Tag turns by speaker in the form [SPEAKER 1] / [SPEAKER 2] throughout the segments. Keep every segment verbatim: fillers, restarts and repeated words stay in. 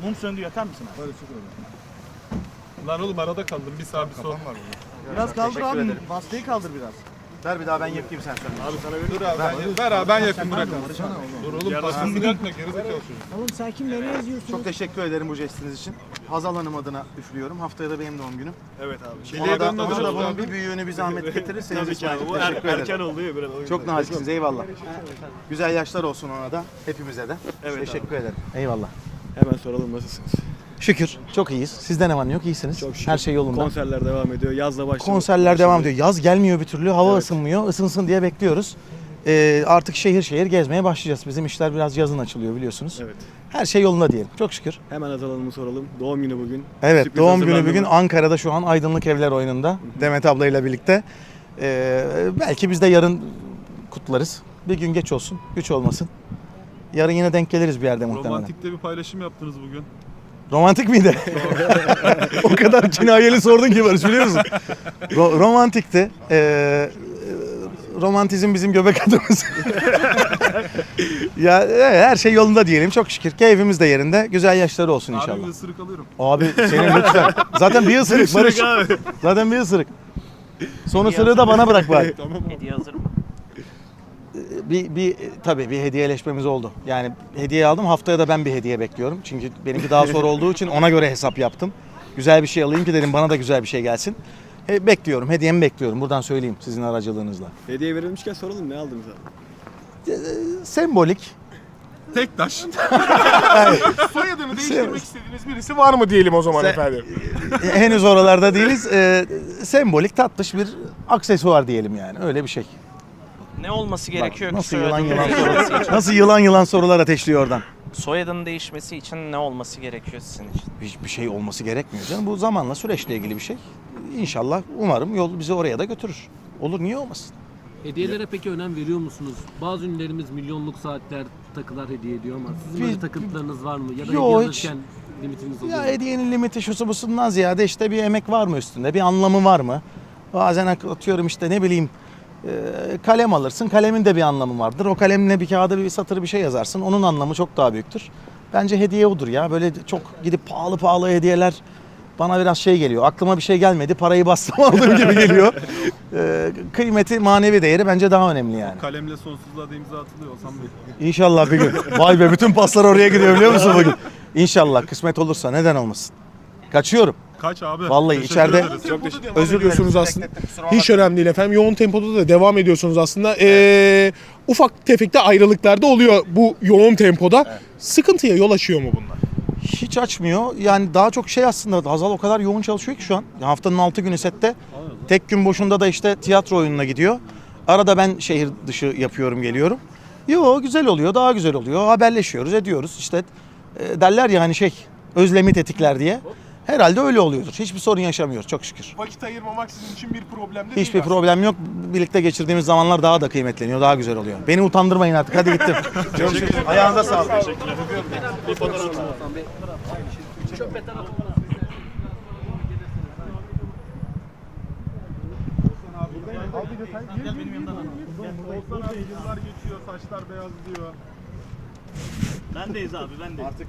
[SPEAKER 1] Mum söndü, yakar mısın abi?
[SPEAKER 2] Böyle çok öyle.
[SPEAKER 3] Lan oğlum arada kaldım bir sağ bir sol.
[SPEAKER 2] Kafam var burada.
[SPEAKER 1] Biraz kaldır abi.
[SPEAKER 4] ederim.
[SPEAKER 1] Bastayı kaldır biraz.
[SPEAKER 4] Ver bir daha ben yakayım sen söyle.
[SPEAKER 3] Abi sana dur abi ben, ver abi ben yakın bırak. Dur oğlum pasını yakma gerizekalı çocuk.
[SPEAKER 5] Oğlum sen kimle ne yazıyorsun?
[SPEAKER 4] Çok teşekkür ederim bu jestiniz için. Hazal Hanım adına üflüyorum. Haftaya da benim doğum günüm.
[SPEAKER 1] Evet abi.
[SPEAKER 4] Ona da,
[SPEAKER 3] dönme
[SPEAKER 4] ona da
[SPEAKER 3] biraz
[SPEAKER 4] bunun
[SPEAKER 3] abi.
[SPEAKER 4] bir büyüğünü bir zahmet getirirseniz
[SPEAKER 1] Tabii ki abi.
[SPEAKER 4] İsmail'cim
[SPEAKER 1] Bu er,
[SPEAKER 4] teşekkür
[SPEAKER 1] erken
[SPEAKER 4] ederim.
[SPEAKER 1] oldu ya biraz. o yüzden.
[SPEAKER 4] Çok naziksiniz, eyvallah. Güzel yaşlar olsun ona da, hepimize de.
[SPEAKER 1] Evet
[SPEAKER 4] teşekkür ederim. Eyvallah.
[SPEAKER 1] Hemen soralım, nasılsınız?
[SPEAKER 4] Şükür, çok iyiyiz. Sizde ne var ne yok, iyisiniz.
[SPEAKER 1] Çok şükür.
[SPEAKER 4] Her şey yolunda.
[SPEAKER 1] Konserler devam ediyor. Yazla başladı.
[SPEAKER 4] Konserler devam ediyor. Yaz gelmiyor bir türlü, hava
[SPEAKER 1] Evet.
[SPEAKER 4] ısınmıyor. Isınsın diye bekliyoruz. Ee, artık şehir şehir gezmeye başlayacağız. Bizim işler biraz yazın açılıyor biliyorsunuz.
[SPEAKER 1] Evet.
[SPEAKER 4] Her şey yolunda diyelim. Çok şükür.
[SPEAKER 1] Hemen Hazal Hanım'ı soralım. Doğum günü bugün.
[SPEAKER 4] Evet,
[SPEAKER 1] Sürpriz
[SPEAKER 4] doğum günü
[SPEAKER 1] hazırlandı
[SPEAKER 4] bugün
[SPEAKER 1] mı?
[SPEAKER 4] Ankara'da şu an Aydınlık Evler oyununda. Demet ablayla birlikte. Ee, belki biz de yarın kutlarız. Bir gün geç olsun, güç olmasın. Yarın yine denk geliriz bir yerde muhtemelen.
[SPEAKER 3] Romantikte bir paylaşım yaptınız bugün.
[SPEAKER 4] Romantik miydi? O kadar kinayeli sordun ki Barış, biliyor musun? Ro- romantikti. Ee, romantizm bizim göbek adımız. Ya evet, her şey yolunda diyelim çok şükür. Keyfimiz de yerinde. Güzel yaşları olsun
[SPEAKER 3] Abi
[SPEAKER 4] inşallah.
[SPEAKER 3] bir ısırık alıyorum.
[SPEAKER 4] Abi senin lütfen. Zaten bir ısırık Barış. Zaten bir ısırık. Son ısırığı da bana bırak bari.
[SPEAKER 3] Tamam abi.
[SPEAKER 6] Hediye hazır mı?
[SPEAKER 4] Bir, bir tabii bir hediyeleşmemiz oldu. Yani hediye aldım. Haftaya da ben bir hediye bekliyorum. Çünkü benimki daha sonra olduğu için ona göre hesap yaptım. Güzel bir şey alayım ki dedim, bana da güzel bir şey gelsin. He, bekliyorum. Hediyemi bekliyorum. Buradan söyleyeyim sizin aracılığınızla.
[SPEAKER 1] Hediye verilmişken soralım, ne aldınız abi?
[SPEAKER 4] Sembolik.
[SPEAKER 3] Tek taş.
[SPEAKER 2] Soyadını değiştirmek istediğiniz birisi var mı diyelim o zaman
[SPEAKER 4] Sen-
[SPEAKER 2] efendim?
[SPEAKER 4] Henüz oralarda değiliz. Ee, sembolik tatlış bir aksesuar diyelim yani. Öyle bir şey.
[SPEAKER 6] Ne olması
[SPEAKER 4] Bak,
[SPEAKER 6] gerekiyor ki
[SPEAKER 4] nasıl yılan
[SPEAKER 6] soyadının
[SPEAKER 4] yılan
[SPEAKER 6] değişmesi
[SPEAKER 4] sorular.
[SPEAKER 6] için?
[SPEAKER 4] Nasıl yılan yılan sorular ateşliyor oradan.
[SPEAKER 6] Soyadının değişmesi için ne olması gerekiyor sizin için?
[SPEAKER 4] Hiçbir şey olması gerekmiyor canım. Bu zamanla, süreçle ilgili bir şey. İnşallah, umarım yol bizi oraya da götürür. Olur, niye olmasın?
[SPEAKER 5] Hediyelere peki önem veriyor musunuz? Bazı ünlülerimiz milyonluk saatler takılar hediye ediyor ama sizin böyle
[SPEAKER 4] Biz-
[SPEAKER 5] takıntılarınız var mı? Ya da
[SPEAKER 4] Yo,
[SPEAKER 5] hediye
[SPEAKER 4] hiç.
[SPEAKER 5] alırken limitiniz oluyor
[SPEAKER 4] Ya
[SPEAKER 5] mu?
[SPEAKER 4] hediyenin limiti şusu busundan ziyade işte bir emek var mı üstünde, bir anlamı var mı? Bazen atıyorum işte ne bileyim e, kalem alırsın, kalemin de bir anlamı vardır. O kalemle bir kağıda bir satır bir şey yazarsın, onun anlamı çok daha büyüktür. Bence hediye odur ya, böyle çok gidip pahalı pahalı hediyeler bana biraz şey geliyor. Aklıma bir şey gelmedi, parayı bastım aldığım gibi geliyor. E, kıymeti, manevi değeri bence daha önemli yani.
[SPEAKER 3] Kalemle sonsuzluğa da imza atılıyor Hasan Bey.
[SPEAKER 4] İnşallah bir gün. Vay be, bütün paslar oraya gidiyor biliyor musun bugün? İnşallah kısmet olursa, neden olmasın. Kaçıyorum.
[SPEAKER 3] Kaç abi?
[SPEAKER 4] Vallahi
[SPEAKER 3] Teşekkür
[SPEAKER 4] içeride-
[SPEAKER 3] ederiz.
[SPEAKER 4] Çok
[SPEAKER 2] Özür diliyorsunuz aslında.
[SPEAKER 4] Beklettim,
[SPEAKER 2] Hiç önemli değil efendim. Yoğun tempoda da devam ediyorsunuz aslında. Ee, ufak tefek de ayrılıklar da oluyor bu yoğun tempoda. Sıkıntıya yol açıyor mu bunlar?
[SPEAKER 4] Hiç açmıyor. Yani daha çok şey aslında, Hazal o kadar yoğun çalışıyor ki şu an. Ya haftanın altı günü sette. Tek gün boşunda da işte tiyatro oyununa gidiyor. Arada ben şehir dışı yapıyorum, geliyorum. Yo, güzel oluyor, daha güzel oluyor. Haberleşiyoruz, ediyoruz. İşte e, derler ya hani şey, özlemi tetikler diye. Herhalde öyle oluyordur. Hiçbir sorun yaşamıyoruz çok şükür.
[SPEAKER 2] Vakit ayırmamak sizin için bir problem de
[SPEAKER 4] Hiçbir problem yok. Birlikte geçirdiğimiz zamanlar daha da kıymetleniyor, daha güzel oluyor. Beni utandırmayın artık. Hadi gittim. Görüşürüz. Ayağınıza sağlık.
[SPEAKER 1] Bir fotoğraf alalım.
[SPEAKER 3] Gel benim yanımdan al. Olsan abi yıllar geçiyor, saçlar beyaz diyor.
[SPEAKER 1] Bendeyiz abi, bendeyiz.
[SPEAKER 4] Artık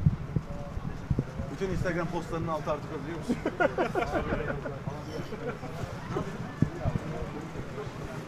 [SPEAKER 4] bütün Instagram postlarının altı artık, biliyor musun?